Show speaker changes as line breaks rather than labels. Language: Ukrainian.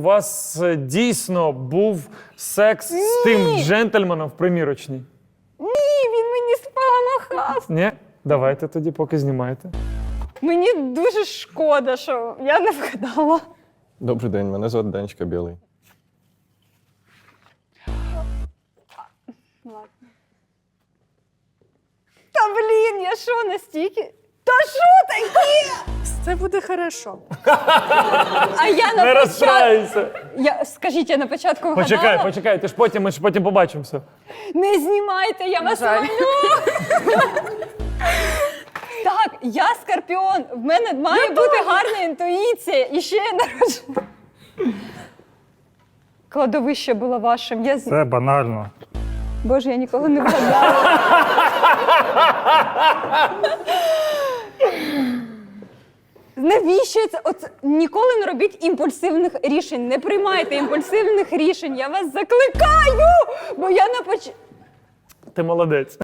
вас дійсно був секс з тим джентльменом в примірочній?
Ні, він мені спомахав.
Ні? Давайте тоді, поки знімаєте.
Мені дуже шкода, що я не вгадала.
Добрий день, мене звати Данечка Білий.
Та блін, я що настільки? Та що таке?
Це буде хорошо.
А я на
Не
початку...
розстраюйся.
Скажіть, я на початку вгадала?
Почекай, ми ж потім побачимося.
Не знімайте, я вас
жаль.
молю. Так, я Скорпіон. В мене має бути гарна інтуїція. І ще я народжена. Кладовище було вашим.
Це банально.
Боже, я ніколи не вгадала. Навіщо це? Ніколи не робіть імпульсивних рішень. Не приймайте імпульсивних рішень. Я вас закликаю! Бо я
Ти молодець.